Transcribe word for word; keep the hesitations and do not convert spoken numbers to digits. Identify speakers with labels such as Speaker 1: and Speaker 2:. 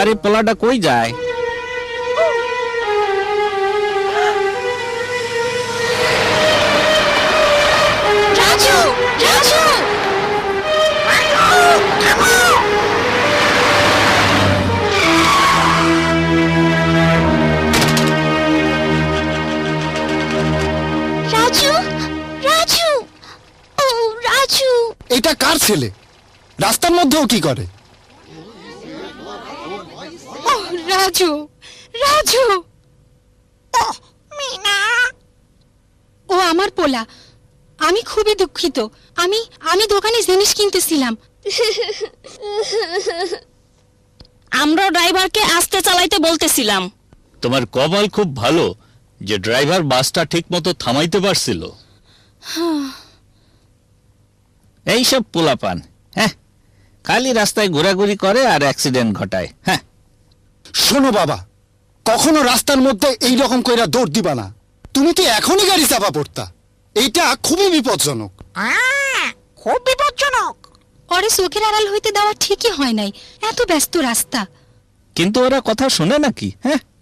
Speaker 1: আবার এই পোলাটা কই যায়?
Speaker 2: রাজু, রাজু, রাজু, রাজু, ও রাজু।
Speaker 3: এটা কার ছেলে? রাস্তার মধ্যেও কি করে?
Speaker 2: ও রাজু, রাজু, ও মিনা। ও আমার পোলা। আমি খুবই দুঃখিত। আমি আমি দোকানে জিনিস কিনতেছিলাম।
Speaker 4: আমরা ড্রাইভারকে আস্তে চালাইতে বলতেছিলাম।
Speaker 1: তোমার কপাল খুব ভালো যে ড্রাইভার বাসটা ঠিক মতো থামাইতে পারছিল। এইসব পোলাপান, হ্যাঁ, খালি রাস্তায় ঘোরাঘুরি করে আর অ্যাক্সিডেন্ট ঘটায়। হ্যাঁ,
Speaker 3: শোনো বাবা, কখনো রাস্তার মধ্যে এই রকম কইরা দৌড় দিবা না। তুমি তো এখনই গাড়ি চাপা পড়তা। এইটা খুবই বিপজ্জনক।
Speaker 2: খুব বিপজ্জনক। ওরে চোখের আড়াল হইতে দেওয়া ঠিকই হয় নাই, এত ব্যস্ত রাস্তা।
Speaker 1: কিন্তু ওরা কথা শোনে নাকি? হ্যাঁ,